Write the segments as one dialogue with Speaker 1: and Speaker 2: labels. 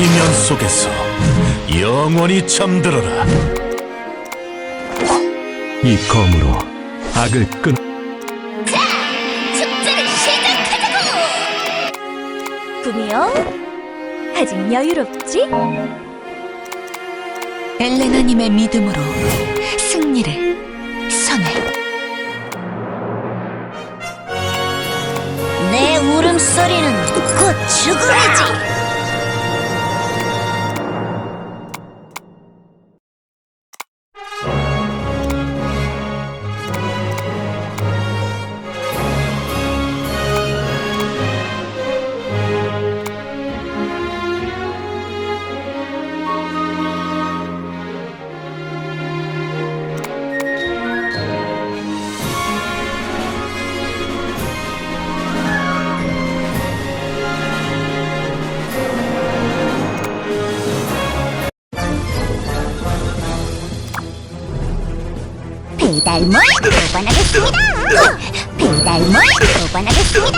Speaker 1: 지면 속에서 영원히 잠들어라.
Speaker 2: 이 검으로 악을 끊.
Speaker 3: 자, 축제를 시작하자고! 꿈이요? 아직 여유롭지?
Speaker 4: 엘레나님의 믿음으로 승리를 선해.
Speaker 3: 내 울음소리는 곧 죽음이지! 배달물 보관하겠습니다. 배달물 보관하겠습니다.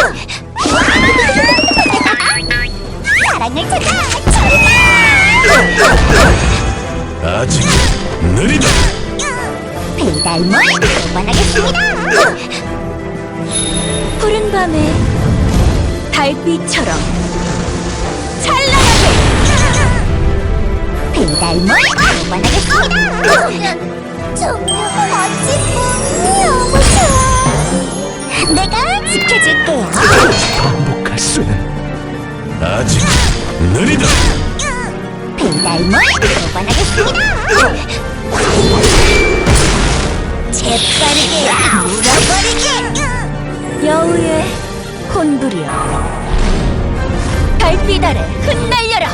Speaker 3: 사랑을 찾아 출발!
Speaker 1: 아직 느리다.
Speaker 3: 배달물 보관하겠습니다. 푸른 밤에 달빛처럼 찬란하게 배달물 보관하겠습니다. 정말 멋진 꿈 너무 좋아. 내가 지켜줄게요.
Speaker 2: 반복할 수는.
Speaker 1: 아직 느리다.
Speaker 3: 배달물 보관하겠습니다. 재빠르게 물어버리게. 여우의 혼부려 달빛 아래 흩날려라.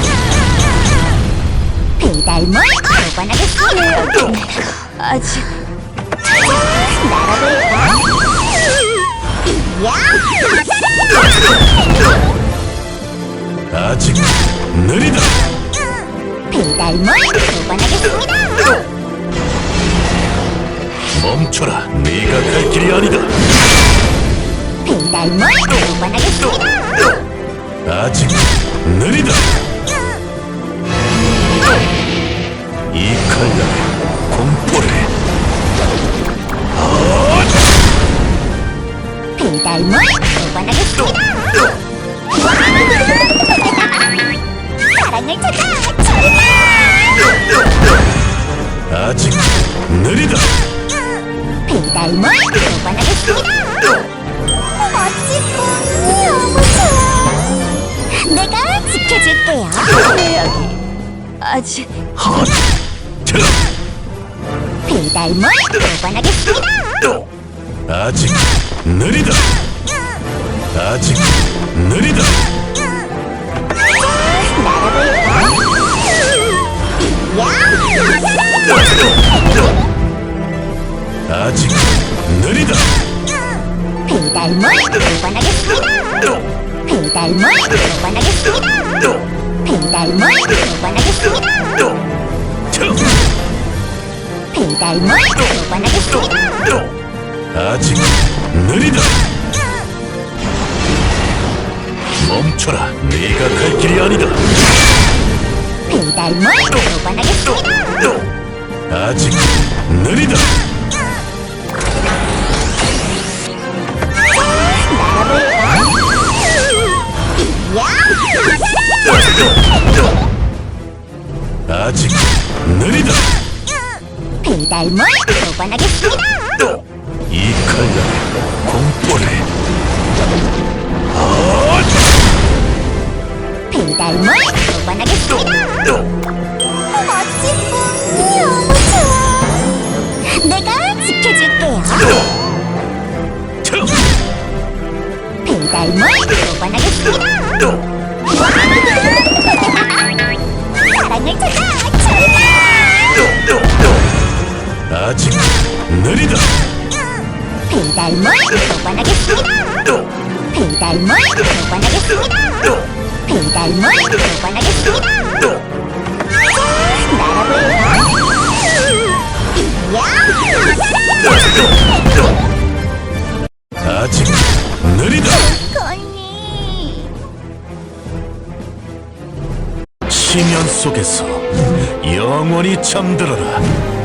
Speaker 3: 배달물 보관하겠습니다. 아직 날아볼까? 야!
Speaker 1: 아직 느리다.
Speaker 3: 배달물 보관하겠습니다.
Speaker 1: 멈춰라. 네가 갈 길이 아니다.
Speaker 3: 배달물 보관하겠습니다.
Speaker 1: 아직 느리다. 이 칼날에 공포를.
Speaker 3: 배달물 보관하겠습니다. 사랑을 찾아 출발!
Speaker 1: 아직 느리다.
Speaker 3: 배달물 보관하겠습니다. 멋진 꿈 너무 좋아. 내가 지켜줄게요. 여기 아직 배달물 보관하겠습니다.
Speaker 1: 아직 느리다. 아직 느리다.
Speaker 3: 날아볼까?
Speaker 1: 아직 느리다.
Speaker 3: 배달물 보관하겠습니다. 배달물 보관하겠습니다. 배달물 보관하겠습니다. 배달물 보관하겠습니다.
Speaker 1: 아직 느리다. 멈춰라. 네가 갈 길이 아니다.
Speaker 3: 배달물 보관하겠습니다.
Speaker 1: 아직 느리다. 아직 느리다.
Speaker 3: 배달물 보관하겠습니다.
Speaker 1: 이 칼날에 공포를.
Speaker 3: 배달물 보관하겠습니다. 멋진 꿈 너무 좋아. 내가 지켜줄게요. 배달물 보관하겠습니다. 사랑을 찾아 출발!
Speaker 1: 아직 느리다.
Speaker 3: 배달물 보관하겠습니다. 배달물 보관하겠습니다. 배달물 보관하겠습니다. 날아볼까?
Speaker 1: 아직 느리다.
Speaker 3: 건니
Speaker 1: 지면 속에서 영원히 잠들어라.